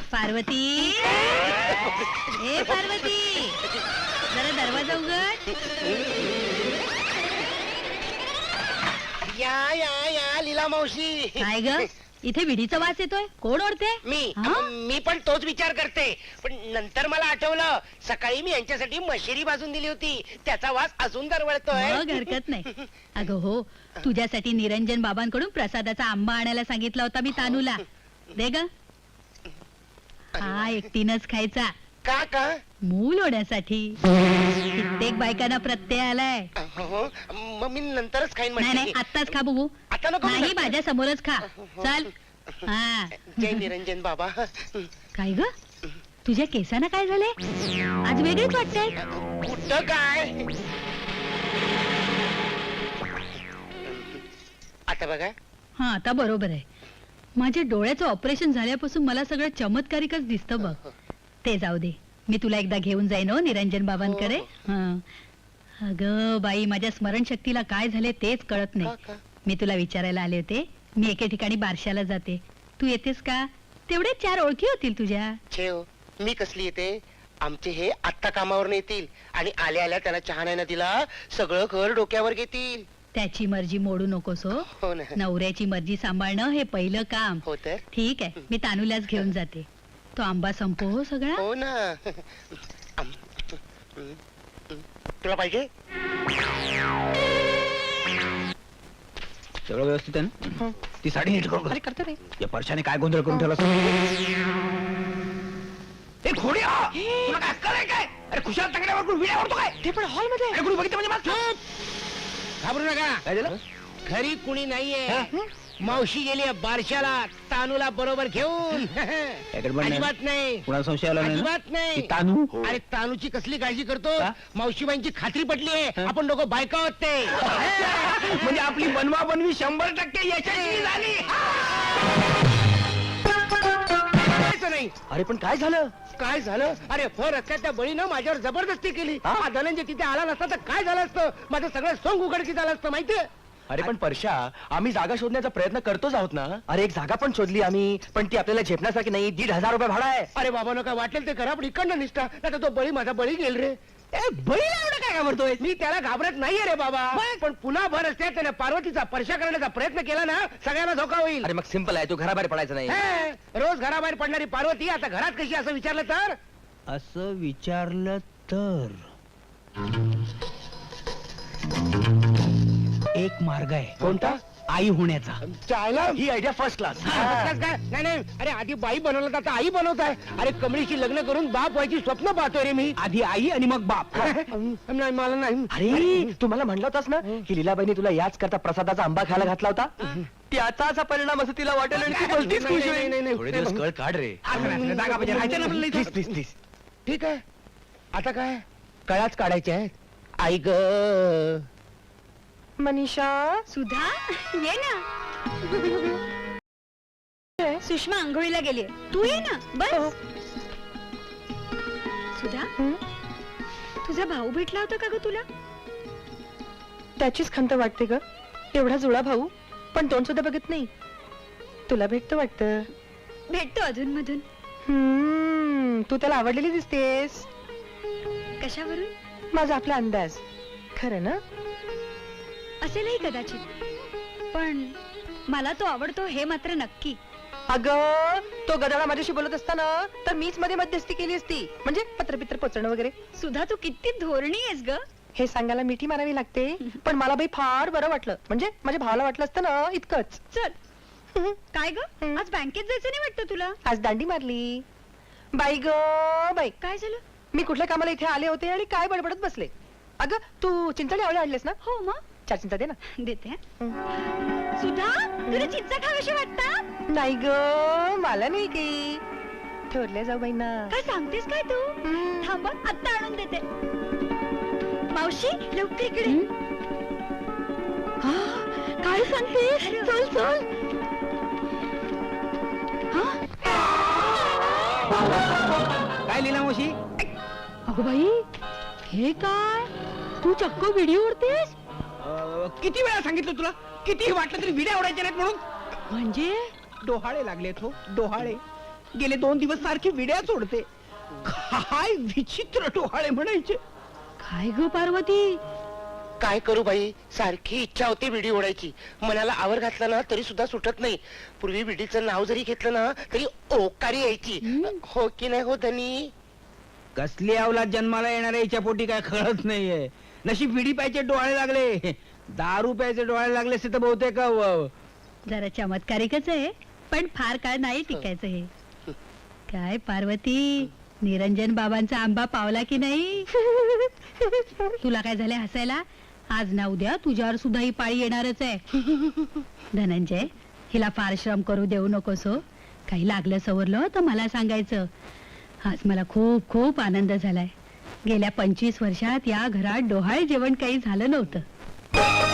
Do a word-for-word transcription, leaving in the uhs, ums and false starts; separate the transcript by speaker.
Speaker 1: पार्वती, ए पार्वती, जरा दरवाजा उघड.
Speaker 2: या या या लीला मावशी.
Speaker 1: काय ग, इथे विडीचा वास येतोय, कोण ओढते?
Speaker 2: मी
Speaker 1: हा?
Speaker 2: मी पण तोच विचार करते, पण नंतर मला आठवलं सकाळी मी यांच्यासाठी मशिरी भाजून दिली होती, त्याचा वास अजून दरवळतोय.
Speaker 1: मग हरकत नाही. अगं हो, तुझ्यासाठी निरंजन बाबांकडून प्रसादाचा आंबा आणायला सांगितला होता मी तानूला. दे ग. हा एकटीनच खायचा,
Speaker 2: का का
Speaker 1: मूल होण्यासाठी. कित्येक बायकांना प्रत्यय आलाय.
Speaker 2: हो, मग मी नंतरच खाईन.
Speaker 1: नाही नाही,
Speaker 2: म्हणजे
Speaker 1: आत्ताच खा बघू.
Speaker 2: आता नको.
Speaker 1: नाही, माझ्या समोरच खा. चल. हा.
Speaker 2: जय निरंजन बाबा.
Speaker 1: काय ग, तुझ्या केसांना काय झाले? आज वेगळीच वाटतंय.
Speaker 2: कुठं काय? आता बघा.
Speaker 1: हा, आता बरोबर आहे. माझ्या डोळ्याचं ऑपरेशन झाल्यापासून मला सगळं चमत्कारिकच दिसतं बघ. ते जाऊ दे, मी तुला एकदा घेऊन जाईन हो निरंजन बाबांकडे. हा. अगं बाई, माझ्या स्मरणशक्तीला काय झाले तेच कळत नाही. मी तुला विचारायला आले होते. मी एके ठिकाणी बारशाला जाते, तू येतेस का? तेवढे चार ओळखी होतील तुझ्या.
Speaker 2: छेव, मी कसली येते? आमचे हे आत्ता कामावर येतील आणि आल्या आल्या त्याला चहा नाही ना दिला, सगळं घर डोक्यावर घेतील.
Speaker 1: त्याची मर्जी मोडू नकोस हो.
Speaker 2: हो ना.
Speaker 1: नवऱ्याची मर्जी सांभाळणं हे पहिलं काम.
Speaker 2: हो तर.
Speaker 1: ठीक आहे, मी तानूलाच घेऊन जाते. तो आंबा संपो हो सगळा.
Speaker 2: हो ना. आम- तुला पाहिजे?
Speaker 3: सगळं व्यवस्थित आहे ना? ती साडी नीट करून
Speaker 2: अरे करतो रे.
Speaker 3: या परशाने काय गोंधळ करून ठेवला? ए घोडी, आ! तुला काय अक्कल आहे काय? अरे खुशाल तंगड्यावर कोण विड्या ओढतो काय?
Speaker 2: ते पण हॉल मध्ये.
Speaker 3: अरे कोणी बघितलं म्हणजे मागचं?
Speaker 2: घाबरू नका.
Speaker 3: काय झालं?
Speaker 2: घरी कुणी नाहीये.
Speaker 3: हा?
Speaker 2: मावशी गेली बारशाला तानूला बरोबर घेऊन.
Speaker 3: काय गडबड नाही?
Speaker 2: अजिबात नाही.
Speaker 3: कुणाला संशय आला नाही ना?
Speaker 2: अजिबात नाही.
Speaker 3: ती तानू?
Speaker 2: अरे तानूची कसली काळजी करतो?
Speaker 3: का?
Speaker 2: मावशीबाईंची खात्री पटली आहे. आपण दोघं बायका आहोत ते.
Speaker 3: म्हणजे आपली बनवा बनवी शंभर टक्के यशस्वी झाली.
Speaker 2: करायचं नाही.
Speaker 3: अरे पण काय झालं?
Speaker 2: काय झालं? अरे फर रस्त्यात त्या बळीनं माझ्यावर जबरदस्ती केली.
Speaker 3: हा?
Speaker 2: हा धनंजय तिथे आला नसता तर काय झालं असतं? माझं सगळं सोंग उघडकीस झालं असतं माहितीये.
Speaker 4: अरे पण परशा, आम्ही जागा शोधण्याचा प्रयत्न करतोच आहोत ना. अरे एक जागा पण शोधली आम्ही, पण ती आपल्याला झेपण्यासारखी नाही. दीड हजार रुपये भाडा आहे.
Speaker 2: अरे बाबांनो, काय वाटेल ते करा, पण इकडनं निष्ठा. नाही तो बळी माझा बळी गेल रे.
Speaker 4: बळीला एवढं काय घाबरतोय?
Speaker 2: मी त्याला घाबरत नाहीये रे बाबा, पण पुन्हा भर असते त्याने पार्वतीचा परशा करण्याचा प्रयत्न केला ना, सगळ्यांना धोका होईल.
Speaker 4: अरे मग सिंपल आहे, तू घराबाहेर पडायचं नाही.
Speaker 2: हे, रोज घराबाहेर पडणारी पार्वती आता घरात कशी असं विचारलं तर?
Speaker 3: असं विचारलं तर एक मार्ग आहे.
Speaker 4: कोणता?
Speaker 3: आई होण्याचा.
Speaker 2: चायला
Speaker 4: ही आयडिया फर्स्ट क्लास.
Speaker 2: काय नाही नाही, अरे आधी बाई बनवलं तर आता आई बनवत आहे. अरे कमळीशी लग्न करून बाप व्हायची स्वप्न पाहतोय रे मी.
Speaker 3: आधी आई आणि मग बाप.
Speaker 2: नाही मला नाही.
Speaker 4: अरे तू मला म्हणला होतास ना की लीलाबाईंनी तुला याच करता प्रसादाचा आंबा खायला घातला होता. त्याचा असा परिणाम असं तिला वाटेल आणि ती भलतीच खुश
Speaker 2: नाही,
Speaker 4: होईल.
Speaker 2: नाही, नाही,
Speaker 4: थोडे
Speaker 2: नाही.
Speaker 4: दिवस कळ काढ रे.
Speaker 3: असं नाही, जागा पाहिजे, राहायचं ना आपल्याला इथं.
Speaker 4: Please please please.
Speaker 2: ठीक आहे, आता काय कळाच काढायचे आहेत. आई ग
Speaker 5: मनीषा,
Speaker 1: सुधा, ये ना. सुषमा आंघोळीला गेली, तू ये ना. बस. सुधा, तुझा भाऊ भेटला होता का ग तुला?
Speaker 5: त्याचीच खंत वाटते ग. एवढा जुळा भाऊ, पण तोंड सुद्धा बघत नाही. तुला भेटतं वाटतं.
Speaker 1: भेटतो अधून मधून.
Speaker 5: हम्म, तू त्याला आवडलेली दिसतेस.
Speaker 1: कशावरून?
Speaker 5: माझा आपला अंदाज. खरं ना?
Speaker 1: असेलही कदाचित, पण मला तो आवडतो हे मात्र नक्की.
Speaker 5: अगं, तो गदाळा माझ्याशी बोलत असताना तर मीच मध्ये मध्यस्थी केली असती, म्हणजे पत्रपित्र पोचणं वगैरे.
Speaker 1: सुधा, तू किती धोरणी आहेस ग.
Speaker 5: हे सांगायला मिठी मारावी लागते, पण मला बाई फार बरं वाटलं. म्हणजे माझ्या भावाला वाटलं असतं ना इतकंच.
Speaker 1: चल. काय ग, आज बँकेत जायचं नाही वाटतं तुला?
Speaker 5: आज दांडी मारली. बाई ग बाई,
Speaker 1: काय झालं?
Speaker 5: मी कुठल्या कामाला इथे आले होते आणि काय बडबडत बसले. अगं, तू चिंचणी आवळे आणलेस ना?
Speaker 1: हो मग.
Speaker 5: चार चिंचा दे ना.
Speaker 1: देते. सुधा, तुला चिंचा खावीशी वाटतं?
Speaker 5: नाही ग, मला नाही की. ठरल्या जाऊ बाई ना.
Speaker 1: काय सांगतेस काय तू? थांब, आत्ता आणून देते. मावशी, लवकर इकडे. काय सांगतेस? चल चल.
Speaker 3: काय लीला मावशी?
Speaker 1: अगं बाई, हे काय? तू चक्क व्हिडिओ उडतेस?
Speaker 3: अं, किती वेळा सांगितलं तुला, किती वाटलं तरी विड्या ओढायच्या नाहीत म्हणून.
Speaker 1: म्हणजे
Speaker 3: डोहाळे लागले तो डोहाळे. गेले दोन दिवस सारखी विड्या सोडते. काय विचित्र डोहाळे म्हणायचे.
Speaker 1: काय ग पार्वती?
Speaker 2: काय करू बाई, सारखी इच्छा होती विडी ओढायची. मनाला आवर घातला ना तरी सुद्धा सुटत नाही. पूर्वी विडीचं नाव जरी घेतलं ना तरी ओकारी यायची. हो की नाही हो धनी?
Speaker 3: कसली अवलाद जन्माला येणाऱ्या हिच्या पोटी काय कळत नाहीये. नशीब विडी प्यायचे डोळे लागले, दारू प्यायचे डोळे लागले असते तर बहुतेक अ,
Speaker 1: जरा चमत्कारिकच आहे, पण फार काळ नाही टिकायचं हे. काय पार्वती, निरंजन बाबांचा आंबा पावला की नाही? तुला काय झालंय हसायला? आज ना उद्या तुझ्यावर सुद्धा ही पाळी येणारच आहे. धनंजय, हिला फार श्रम करू देऊ नकोस हो. काही लागलं सवरलं तर मला सांगायचं. आज मला खूप खूप आनंद झालाय. गेल्या पंचवीस वर्षात या घरात डोहाळे जेवण काही झालं नव्हतं.